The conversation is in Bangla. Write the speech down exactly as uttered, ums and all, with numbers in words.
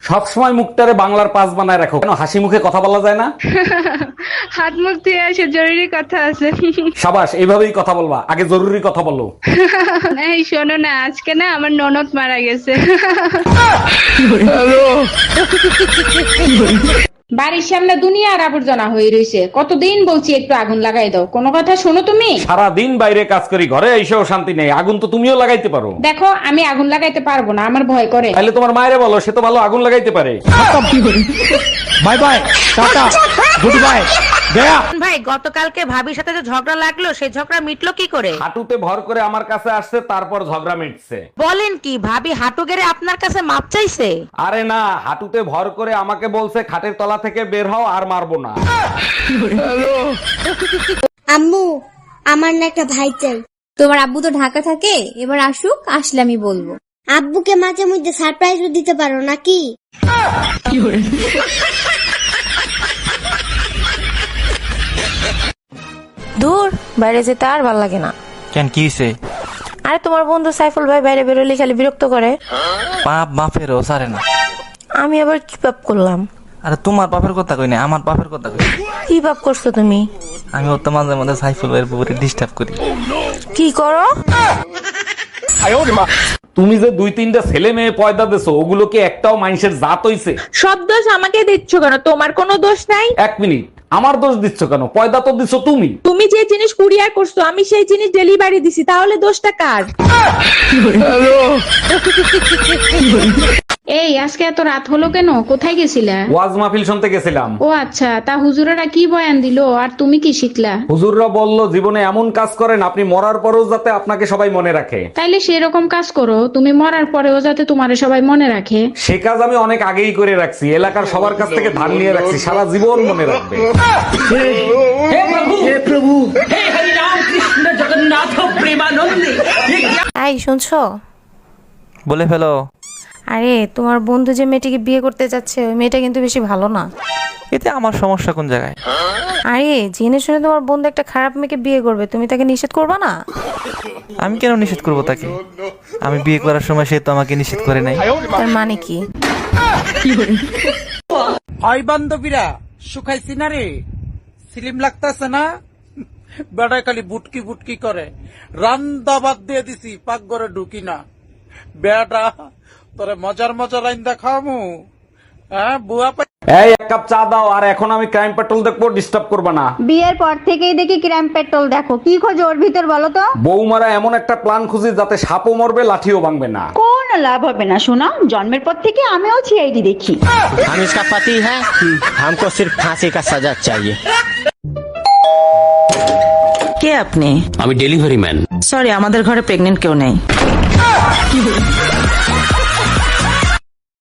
সবসময় মুখটারে বাংলার পাস বানায় রাখো, কেন হাসি মুখে কথা বলা যায় না? হাত মুখ ধুয়ে আসে, জরুরি কথা আছে। সাবাস, এইভাবেই কথা বলবা, আগে জরুরি কথা বলো। এই শোনো না, আজকে না আমার ননদ মারা গেছে। বাড়ির সামনে দুনিয়ার আবর্জনা হয়ে রয়েছে, কতদিন বলছি একটু আগুন লাগাই দাও, কোনো কথা শোনো তুমি? সারা দিন বাইরে কাজ করি, ঘরে এসেও শান্তি নেই। আগুন তো তুমিও লাগাইতে পারো। দেখো আমি আগুন লাগাইতে পারবো না, আমার ভয় করে। তাহলে তোমার মায়েরে বলো, সে তো ভালো আগুন লাগাইতে পারে। Bye bye, tata, good bye, গয়া। ভাই গতকালকে ভাবির সাথে যে ঝগড়া লাগলো, সেই ঝগড়া মিটলো কি করে? হাঁটুতে ভর করে আমার কাছে আসছে, তারপর ঝগড়া মিটছে। বলেন কি, ভাবি হাঁটু গেড়ে আপনার কাছে মাপ চাইছে? আরে না, হাঁটুতে ভর করে আমাকে বলছে খাটের তলা থেকে বের হও, আর মারবো না। আম্মু, আমার না একটা ভাই চাই। তোমার আব্বু তো ঢাকা থাকে, এবার আসুক, আসলে আমি বলবো। আব্বুকে মাঝে মধ্যে সারপ্রাইজও দিতে পারো নাকি? দূর, বাইরে যেতে আর ভাল লাগে না। কেন, কি হইছে? আরে তোমার বন্ধু সাইফুল ভাই বাইরে বেরোলে খালি বিরক্ত করে। পাপ বাপেরও সারে না। আমি আবার কি পাপ করলাম? আরে তোমার বাপের কথা কই না, আমার বাপের কথা কই। কি পাপ করছো তুমি? আমি ওর তো মাঝে মাঝে সাইফুল ভাইয়ের পুকুরে ডিস্টার্ব করি। কি করো? তুমি যে দুই তিনটা ছেলে মেয়ে পয়দা দিছো, ওগুলো কি একটাও মানুষের জাত হইছে? সব দোষ আমাকে দিচ্ছ কেন? তোমার কোনো দোষ নাই। এক মিনিট, আমার দোষ দিচ্ছ কেন? পয়দা তো দিছো তুমি। তুমি যে জিনিস কুরিয়ার করছো, আমি সেই জিনিস ডেলিভারি দিছি, তাহলে দোষটা কার? এই আজকে এত রাত হলো কেন? কোথায় গেছিলা? ওয়াজ মাহফিল শুনতে গেছিলাম। ও আচ্ছা, তা হুজুরেরা কি বয়ান দিলো আর তুমি কি শিখলা? হুজুররা বলল, জীবনে এমন কাজ করেন আপনি মরার পরেও যাতে আপনাকে সবাই মনে রাখে। তাইলে সেরকম কাজ করো, তুমি মরার পরেও যাতে তোমারে সবাই মনে রাখে। সে কাজ আমি অনেক আগেই করে রাখছি, এলাকার সবার কাছ থেকে ধার নিয়ে রাখছি, সারা জীবন মনে রাখবে। এই শুনছো? বলে ফেলো। আরে তোমার বন্ধু যে মেয়েটিকে বিয়ে করতে যাচ্ছে, ওই মেয়েটা কিন্তু বেশি ভালো না। এতে আমার সমস্যা কোন জায়গায়? আরে জেনে শুনে তোমার বন্ধু একটা খারাপ মেয়েকে বিয়ে করবে, তুমি তাকে নিষেধ করবা না? আমি কেন নিষেধ করবো তাকে? আমি বিয়ে করার সময় সে তো আমাকে নিষেধ করে নাই। তার মানে কি? হয় বান্ধবীরা, শুকাইছি না রে, সিলিম লাগতেছে না? বেড়ায় খালি বুটকি বুটকি করে, রান্দা বাদ দিয়ে দিছি, পাক ঘরে ঢুকি না। বেড়া তোরে মজার মজার রান্দা খাওয়ামু, হ্যাঁ বুয়া পাই। এই এক কাপ চা দাও, আর এখন আমি ক্রাইম পেট্রোল দেখবো, ডিস্টার্ব করবে না। বিয়ের পর থেকেই দেখি ক্রাইম পেট্রোল দেখো, কি খোঁজো ওর ভিতর বলো তো? বৌমারা এমন একটা প্ল্যান খুঁজি যাতে সাপও মরবে, লাঠিও ভাঙবে না। কোন লাভ হবে না শোনা, জন্মের পর থেকে আমিও সিআইডি দেখি। हम इसका पति है, हमको सिर्फ फांसी का सजा चाहिए। কে আপনি? আমি ডেলিভারি ম্যান। সরি, আমাদের ঘরে প্রেগনেন্ট কেউ নেই।